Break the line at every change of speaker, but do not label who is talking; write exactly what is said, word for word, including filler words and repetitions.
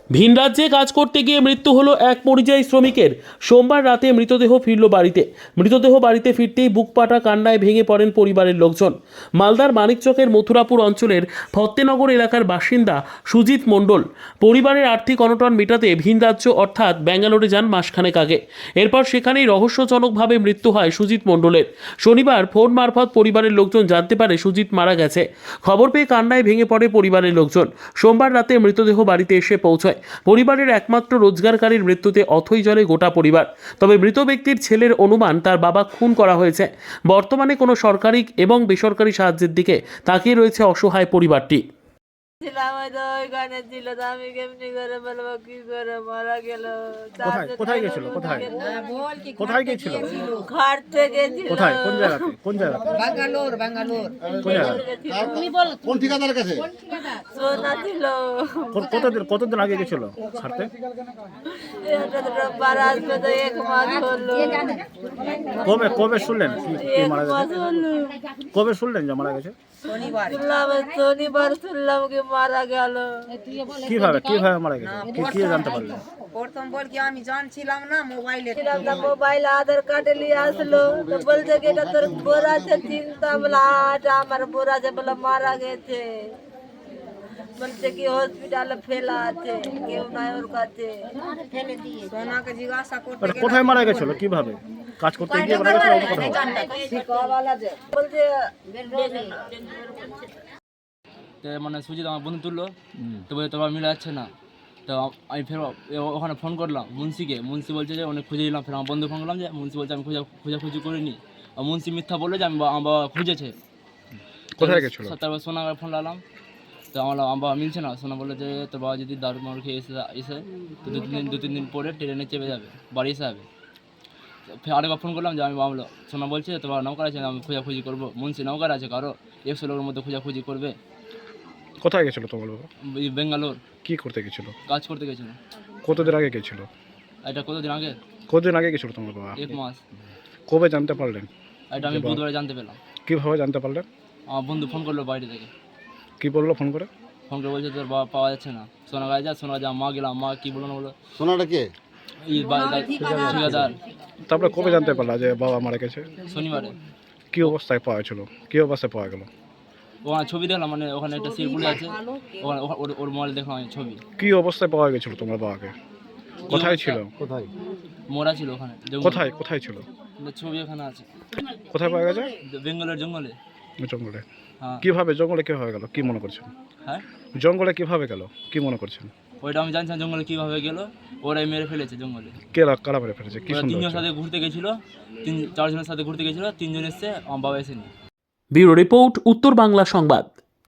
ভিন রাজ্যে কাজ করতে গিয়ে মৃত্যু হলো এক পরিযায়ী শ্রমিকের। সোমবার রাতে মৃতদেহ ফিরল বাড়িতে। মৃতদেহ বাড়িতে ফিরতেই বুকপাটা কান্নায় ভেঙে পড়েন পরিবারের লোকজন। মালদার মানিকচকের মথুরাপুর অঞ্চলের ফত্তেনগর এলাকার বাসিন্দা সুজিত মণ্ডল পরিবারের আর্থিক অনটন মেটাতে ভিন রাজ্য অর্থাৎ ব্যাঙ্গালোরে যান মাসখানেক আগে। এরপর সেখানেই রহস্যজনকভাবে মৃত্যু হয় সুজিত মণ্ডলের। শনিবার ফোন মারফত পরিবারের লোকজন জানতে পারে সুজিত মারা গেছে। খবর পেয়ে কান্নায় ভেঙে পড়ে পরিবারের লোকজন। সোমবার রাতে মৃতদেহ বাড়িতে এসে পৌঁছায়। পরিবারের একমাত্র রোজগারকারীর মৃত্যুতে অথই জলে গোটা পরিবার। তবে মৃত ব্যক্তির ছেলের অনুমান তার বাবা খুন করা হয়েছে। বর্তমানে কোনো সরকারি এবং বেসরকারি সাহায্যের দিকে তাকিয়ে রয়েছে অসহায় পরিবারটি।
ছিলাম হয়তো ওইখানে ছিল তো আমি কেমনি করে বলবো কি করে মারা গেল।
কোথায় কোথায় গেছিল কোথায় কোথায় গেছিল
ঘাট থেকে ছিল
কোথায় কোন জায়গাতে কোন জায়গাতে
ব্যাঙ্গালোর ব্যাঙ্গালোর
কোন জায়গাতে
তুমি বল
কোন ঠিকাদারের কাছে
সোনা ছিল।
কত- কতদিন কতদিন আগে গেছিল ছাড়তে?
এটা তো রোববার আসবে তো এক মাস হলো।
কবে কবে শুনলেন কি- কি
এক
মারা
মাস
গেছে?
হলো
কবে শুনলেন যে মারা গেছে?
শনিবার
শুনলাম শনিবার শুনলাম কি মারা গেল।
কিভাবে কিভাবে মারা গেছে কি কি জানতে পারলেন?
প্রথম বল কি আমি জানছিলাম না মোবাইলে
ছিলাম না মোবাইল আধার কার্ডে নিয়ে আসলো তো বলছে কি এটা তোর বোর আছে চিন্তা বলে আটা আমার বোর আছে বলে মারা গেছে। বলছে কি হসপিটালে ফেলা আছে কেউ নাই ওর কাছে।
সোনাকে জিজ্ঞাসা করতে
মানে কোথায় মারা গেছিল কিভাবে কাজ করতে গিয়ে মারা গেছিল অন্য কোথাও?
বলছে
তো মানে সুজিত আমার বন্ধু তুললো, তো বলে তোমার মিলে যাচ্ছে না। তো আমি ফের ও- ওখানে ফোন করলাম মুন্সিকে। মুন্সি বলছে যে অনেক খুঁজে দিলাম। ফের আমার বন্ধু ফোন করলাম যে মুন্সি বলছে আমি খোঁজা খোঁজাখুঁজি করিনি। আর মুন্সি মিথ্যা বললো যে আমি বা- আমার বাবা খুঁজেছে।
কোথায় গেছিল?
তারপর সোনা ফোন লাগলাম, তো আমার আমার বাবা মিলছে না। সোনা বললো যে তোর বাবা যদি দারু মারু খেয়ে এসে এসে তো দু তিন দিন দু তিন দিন পরে ট্রেনে চেপে যাবে, বাড়ি এসে যাবে। তো ফের আরেকবার ফোন করলাম যে আমি বাবলো সোনা বলছে তোর বাবা নৌকার আছে, আমি খোঁজাখুঁজি করবো। মুন্সি নৌকার আছে, কারো একশো লোকের মধ্যে খোঁজাখুঁজি করবে।
কোথায় গেছিল তোমার বাবা?
এই বেঙ্গালোর
কি করতে গেছিল?
কাজ করতে গেছিল।
কতদিন আগে গেছিল?
এটা কতদিন আগে?
কতদিন আগে গেছিল তোমার বাবা?
এক মাস।
কবে জানতে পারলেন?
এটা আমি বুধবারে জানতে পেলাম।
কিভাবে জানতে পারলেন?
আমার বন্ধু ফোন করলো বাইরে থেকে।
কি বললো ফোন করে?
ফোন করে বলছে তোর বাবা পাওয়া যাচ্ছে না। সোনা গায়ে যা, সোনা যা। মা গেলাম, মা কি বলো না বলো
সোনাটা কে?
এই বা- গা- ঠিকাদার।
তারপরে কবে জানতে পারলা যে বাবা মারা গেছে?
শনিবারে
কি অবস্থায় পাওয়া ছিল কি অবস্থায় পাওয়া গেল?
ওখানে ছবি দেখলাম, মানে ওখানে একটা শিরপুলি আছে, ওখানে ওখা- ওর- ওর মোবাইল দেখলাম আমি ছবি।
কি অবস্থায় পাওয়া গেছিল তোমার বাবাকে? কোথায় ছিল?
কোথায়?
মোরা ছিল ওখানে জঙ্গলে।
কোথায় কোথায় ছিল?
ছবি ওখানে আছে,
কোথায় পাওয়া গেছে?
বেঙ্গলের জঙ্গলে।
জঙ্গলে।
হ্যাঁ
কিভাবে জঙ্গলে কিভাবে গেল কি মনে করছেন?
হ্যাঁ,
জঙ্গলে কিভাবে গেল কি মনে করছেন?
ওইটা আমি জানছি না জঙ্গলে কীভাবে গেল। ওরাই মেরে ফেলেছে জঙ্গলে।
কে কারা মেরে ফেলেছে কি
ওরা
সুন্দর
তিনজনের সাথে ঘুরতে গেছিলো, তিন চারজনের সাথে ঘুরতে গেছিলো, তিনজন এসছে, আমার বাবা এসেনি।
ব্যুরো রিপোর্ট, উত্তর বাংলা সংবাদ।